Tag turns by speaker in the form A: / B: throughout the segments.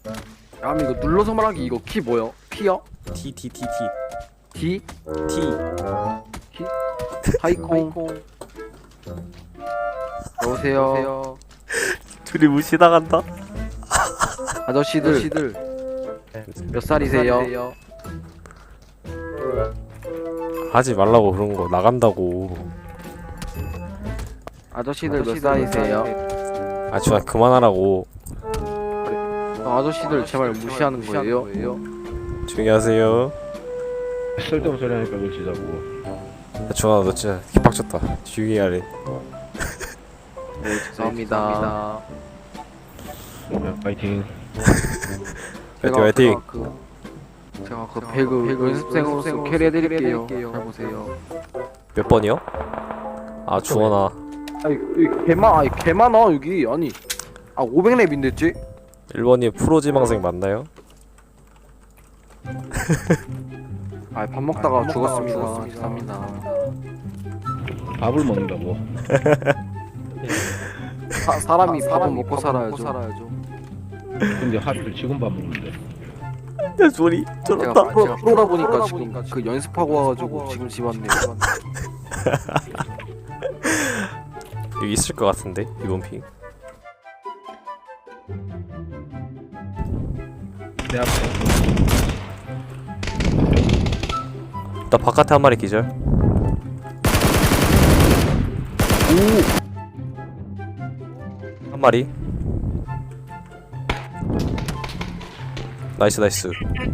A: 아 이거 눌러서 말하기 이거 키 뭐요? P요?
B: T T T
A: D?
B: T
A: T? 하이콩. 여보세요.
B: 둘이 무시당한다.
A: 아저씨들 몇 살이세요?
B: 하지 말라고 그런 거 나간다고.
A: 아저씨들 몇 살이세요?
B: 아 주아 그만하라고.
A: 아저씨들 제 말 무시하는 거예요?
B: 조용히 하세요.
C: 쓸데없는 소리 하니까 그러시자고.
B: 야, 주아 너 진짜 개빡쳤다. 조용히 하래.
A: 네 죄송합니다.
C: 야, 파이팅.
B: 화이팅 화이팅.
A: 제가 그 배그 연습생으로서 캐리해드릴게요. 잘 보세요.
B: 몇 번이요? 아 주원아.
A: 아니 개 많아 여기. 아니 500렙인데 쟤?
B: 1번이 프로 지망생 맞나요?
A: 밥 먹다가 죽었습니다. 죄송합니다.
C: 밥을 먹는다고.
A: 사람이 밥은 먹고 살아야죠.
C: 근데 하루를 지금 밥 먹는데.
B: 야 소리
A: 제가 프로다 보니까 지금 그 연습하고 와가지고 지금 집 왔네요.
B: 여기 있을 것 같은데 이번 핑.
C: 내 앞에.
B: 나 바깥에 한 마리 기절. 한 마리. 나이스 나이스.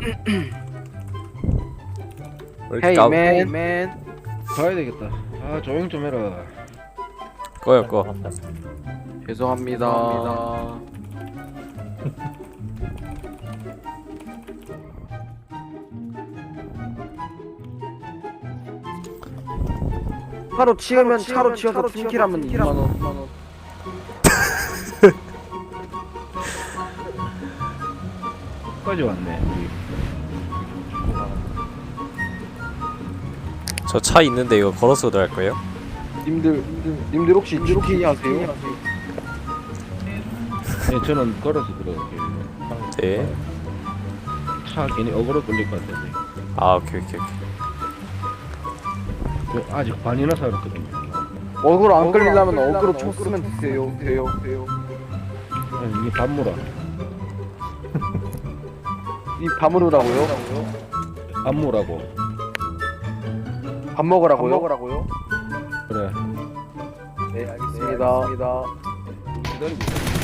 A: 헤이 맨.
C: 가야 되겠다. 아 조용 좀 해라.
B: 꺼요 꺼.
A: 죄송합니다. 차로 치우면 차로 치워서 팀킬하면 2만원.
C: 끝까지 왔네. 우리.
B: 저 차 있는데 이거 걸어서 들어갈 거예요?
A: 님들 혹시 GT 하세요?
C: 네, 저는 걸어서 들어갈게요.
B: 네.
C: 차 괜히 어그로 끌릴 것 같은데.
B: 아 오케이 오케이 오케이.
C: 저 아직 반이나 살았거든요.
A: 어그로 안 끌리려면 어그로 총 쓰면 돼요.
C: 아니, 이게 밥무라.
A: 이 밤으로라고요?
C: 밥무라고.
A: 밥 먹으라고요?
C: 그래.
A: 네 알겠습니다.
C: 기다리고.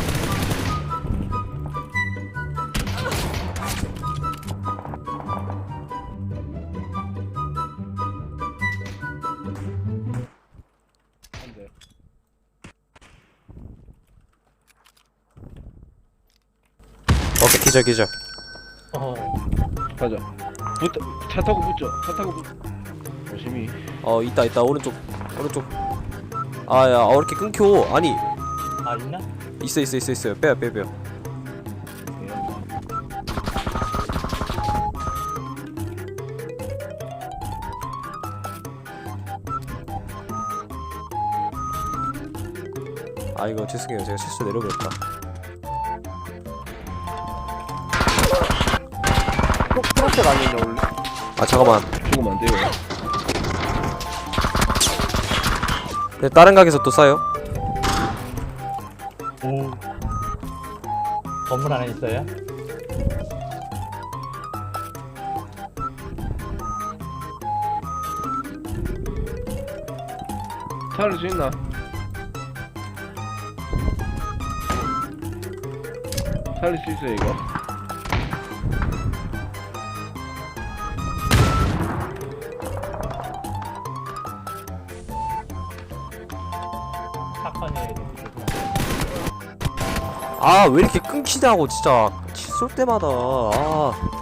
C: 안돼.
B: 오케이 기절 기절.
C: 가자. 붙어. 차 타고 붙죠. 조심히.
B: 있다 오른쪽. 아야 왜 이렇게 끊겨? 아니
D: 아 있나?
B: 있어요. 빼요. 아 이거 죄송해요. 제가 실수 내려버렸다.
A: 프로젝트 아니냐 원래?
B: 아 잠깐만.
C: 죽으면 안 돼요.
B: 근데 다른 가게에서 또 싸요?
D: 오 건물 안에 있어요?
C: 살릴 수 있나? 살릴 수 있어요 이거?
D: 사건이
B: 아 왜 이렇게 끊기냐고 진짜 쏠 때마다. 아